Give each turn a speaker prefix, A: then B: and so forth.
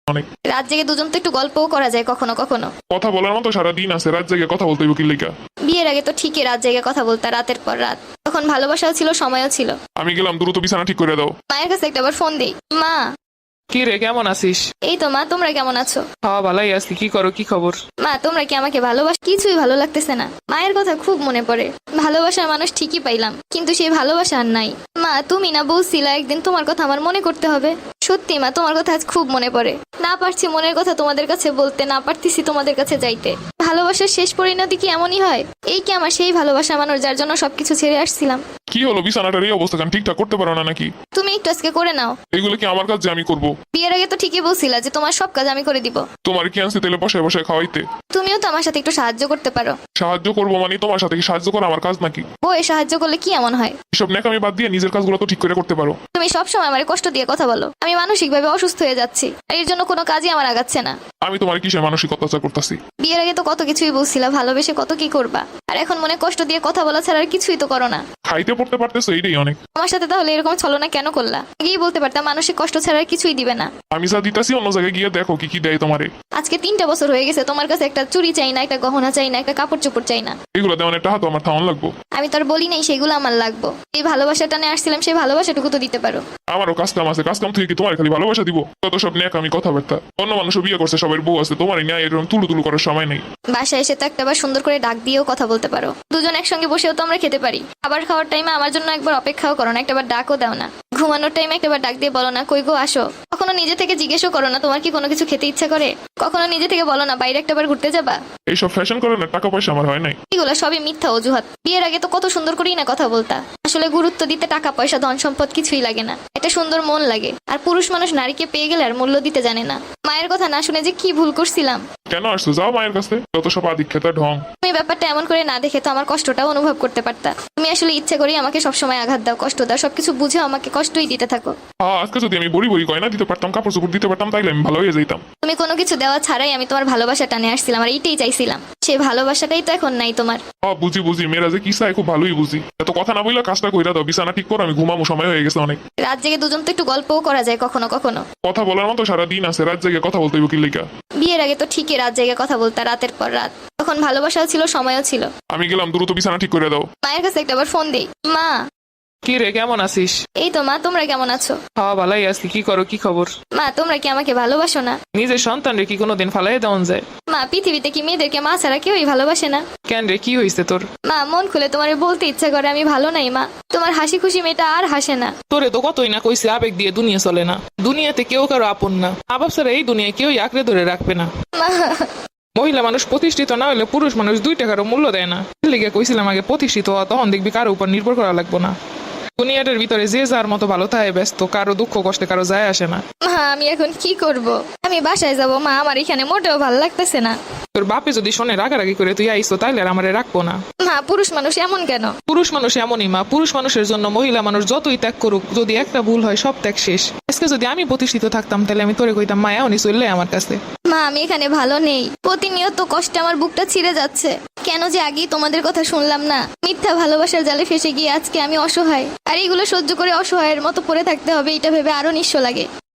A: অনেক।
B: রাত জেগে দুজন তো একটু গল্পও করা যায় কখনো কখনো।
A: কথা বলার মতো সারা দিন আছে, রাত জেগে কথা বলতে হইব কি লিগা?
B: বিয়ের আগে তো ঠিকই রাত জেগে কথা বলতা, রাতের পর রাত। তখন ভালোবাসাও ছিল, সময়ও ছিল।
A: আমি গেলাম, দ্রুত বিছানা ঠিক করে দাও।
B: মায়ের কাছে একটা আবার ফোন দেই। মা।
C: কি রে, কেমন আছিস?
B: এই তো মা, তোমরা কেমন আছো?
C: হ্যাঁ ভালাই আছি। কি করো, কি খবর?
B: মা, তোমরা কি আমাকে ভালোবাসো? কিছুই ভালো লাগতেছে না। মায়ের কথা খুব মনে পড়ে। ভালোবাসার মানুষ ঠিকই পাইলাম, কিন্তু সেই ভালোবাসা আর নাই। মা, তুমি না বলছিলা একদিন তোমার কথা আমার মনে করতে হবে? সত্যি মা, তোমার কথা আজ খুব মনে পড়ে। না পারছি মনের কথা তোমাদের কাছে বলতে, না পারতেছি তোমাদের কাছে যাইতে। ভালোবাসার শেষ পরিণতি কি এমনই হয়? এই কি আমার সেই ভালোবাসা মানুষ যার জন্য সবকিছু ছেড়ে আসছিলাম?
A: কি হলো, বিছানাটার এই অবস্থা কেন? ঠিকঠাক করতে পারো না নাকি?
B: তুমি একটু আজকে করে নাও।
A: এগুলো কি আমার কাজ যে আমি করব?
B: বিয়ের আগে তো ঠিকই বলছিলা যে তোমার সব কাজ আমি করে দিব।
A: তোমার কি আনছি তেলে বসে বসে খাওয়াইতে?
B: তুমিও তো আমার সাথে একটু সাহায্য করতে পারো।
A: সাহায্য করবো মানে তোমার সাথে কি সাহায্য করা আমার কাজ নাকি?
B: বউয়ে সাহায্য করলে কি এমন হয়?
A: এসব ন্যাকামি বাদ দিয়ে নিজের কাজগুলো তো ঠিক করে করতে পারো।
B: তুমি সবসময় আমার কষ্ট দিয়ে কথা বলো। আমি মানসিকভাবে অসুস্থ হয়ে যাচ্ছি, আর এর জন্য কোনো কাজই আমার আগাচ্ছে না।
A: আমি তোমার কিসের মানসিক অত্যাচার করতেছি?
B: বিয়ের আগে তো কত কিছুই বলছিলা, ভালোবেসে কত কি করবা, আর এখন মনে কষ্ট দিয়ে কথা বলা ছাড়া আর কিছুই তো করো না।
A: খাইতে পড়তে পারতেছো, এইটাই অনেক।
B: আমার সাথে তাহলে এরকম ছলনা কেন করলা? আগেই বলতে পারতাম মানসিক কষ্ট ছাড়া আর কিছুই দিবে না।
A: আমি যা দিতাছি অন্য জায়গায় গিয়ে দেখো কি কি দেয় তোমারে।
B: আজকে 3টা বছর হয়ে গেছে, তোমার কাছে একটা চুড়ি চাই না, একটা গহনা চাই না, একটা কাপড় চোপড় চাই না।
A: এগুলো দেওয়ার একটা হাত আমার থাউন লাগবো।
B: আমি তো আর বলি নাই সেগুলো আমার লাগবো। এই ভালোবাসাটা নিয়ে আসছিলাম, সেই ভালোবাসাটুকু তো দিতে পারো।
A: আমারও কাজ কাম আছে, কাজ কাম থেকে কি তোমার খালি ভালোবাসা দিব? কত সব ন্যাকামি কথাবার্তা। অন্য মানুষও বিয়ে করছে, সবার বউ আছে, তোমার নিয়ে এরকম তুলু তুলু করার সময় নেই।
B: বাসায় এসে তো একটাবার সুন্দর করে ডাক দিয়েও কথা বলতে পারো। দুজন একসঙ্গে বসেও তো আমরা খেতে পারি। খাবার খাওয়ার টাইমে আমার জন্য একবার অপেক্ষাও করো না, একটাবার ডাকও দাও না। ঘুমানোর টাইমে একটাবার ডাক দিয়ে বলো না কই গো আসো। কখনো নিজে থেকে জিজ্ঞেসও করো না তোমার কি কোনো কিছু খেতে ইচ্ছা করে? কখনো নিজে থেকে বলো না বাইরে একটাবার ঘুরতে যাবা?
A: এইসব ফ্যাশন করে না, টাকা পয়সা আমার হয় নাই।
B: এগুলো সবই মিথ্যা অজুহাত। বিয়ের আগে তো কত সুন্দর করেই না কথা বলতা। আসলে গুরুত্ব দিতে টাকা পয়সা ধন সম্পদ কিছুই লাগে না, একটা সুন্দর মন লাগে। আর পুরুষ মানুষ নারীকে পেয়ে গেলে আর মূল্য দিতে জানে না। মায়ের কথা না শুনে যে কি ভুল করছিলাম।
A: কেন আসছো? যাও মায়ের কাছে, যত সব আদিক্ষেতা ঢং।
B: তুমি ব্যাপারটা এমন করে না দেখে তো আমার কষ্টটাও অনুভব করতে পারতা। তুমি আসলে ইচ্ছে করেই আমাকে সবসময় আঘাত দাও, কষ্ট দাও, সবকিছু বুঝে আমাকে কষ্টই দিতে থাকো।
A: আজকে যদি আমি বড়ি বড়ি গয়না দিতে পারতাম, কাপড় চোপড় দিতে পারতাম, তাইলে আমি ভালো হয়ে যেতাম।
B: তুমি কোনো কিছু দেওয়া ছাড়াই আমি তোমার ভালোবাসা টানে আসছিলাম, আর এইটাই চাইছিলাম। সেই ভালোবাসাটাই তো এখন নাই তোমার।
A: বুঝি বুঝি, মেয়েরা যে কি চায় খুব ভালোই বুঝি। এত কথা না বললে কাজটা কইরা দাও, বিছানা ঠিক করো, আমি ঘুমামো, সময় হয়ে গেছে অনেক।
B: রাত জেগে দুজন তো একটু গল্পও করা যায় কখনো কখনো।
A: কথা বলার মতো সারা দিন আছে, রাত জেগে কথা বলতে হইব কি লিগা?
B: বিয়ের আগে তো ঠিকই রাত জেগে কথা বলতা, রাতের পর রাত। তখন ভালোবাসাও ছিল, সময়ও ছিল।
A: আমি গেলাম, দ্রুত বিছানা ঠিক করে দাও।
B: মায়ের কাছে একটা আবার ফোন দেই। মা।
C: কি রে, কেমন আছিস?
B: এই তো মা, তোমরা কেমন আছো?
C: হ্যাঁ ভালাই আছি। কি করো, কি খবর?
B: মা, তোমরা কি আমাকে ভালোবাসো না?
C: নিজের সন্তান রে কি কোনোদিন ফালাই দেওয়া যায়?
B: মা, পৃথিবীতে কি মেয়েদেরকে মা ছাড়া কেউই ভালোবাসে না?
C: কেন রে, কি হয়েছে তোর?
B: মা, মন খুলে তোমার বলতে ইচ্ছা করে আমি ভালো নাই মা। তোমার হাসি খুশি মেয়েটা আর হাসে না।
C: তোরে তো কতই না কইছে আবেগ দিয়ে দুনিয়া চলে না। দুনিয়াতে কেউ কারো আপন না। আবাব ছাড়া এই দুনিয়ায় কেউই আঁকড়ে ধরে রাখবে না।
B: মা।
C: মহিলা মানুষ প্রতিষ্ঠিত না হলে পুরুষ মানুষ 2 টাকারও মূল্য দেয় না। লিগে কইছিলাম আগে প্রতিষ্ঠিত হওয়া, তখন দেখবি কারো উপর নির্ভর করা লাগবে না। দুনিয়াটার ভিতরে যে যার মতো ভালো থাকে ব্যস্ত, কারো দুঃখ কষ্টে কারো যায় আসে না।
B: মা, আমি এখন কি করব? আমি বাসায় যাব মা, আমার এখানে মোটেও ভালো লাগতেছে না।
C: তোর বাপে যদি শোনে রাগারাগি করে তুই আইসো, তাইলে আর আমারে রাখবো না।
B: মা, পুরুষ মানুষ এমন কেন?
C: পুরুষ মানুষ এমনই মা। পুরুষ মানুষের জন্য মহিলা মানুষ যতই ত্যাগ করুক, যদি একটা ভুল হয় সব ত্যাগ শেষ। আজকে যদি আমি প্রতিষ্ঠিত থাকতাম তাহলে আমি তোরে কইতাম মা এমনই চললে আমার কাছে।
B: মা, আমি এখানে ভালো নেই। প্রতিনিয়ত কষ্টে আমার বুকটা ছিঁড়ে যাচ্ছে। কেন যে আগেই তোমাদের কথা শুনলাম না? মিথ্যা ভালোবাসার জালে ফেসে গিয়ে আজকে আমি অসহায়। আর এইগুলো সহ্য করে অসহায়ের মতো পড়ে থাকতে হবে, এটা ভেবে আরো নিঃস্ব লাগে।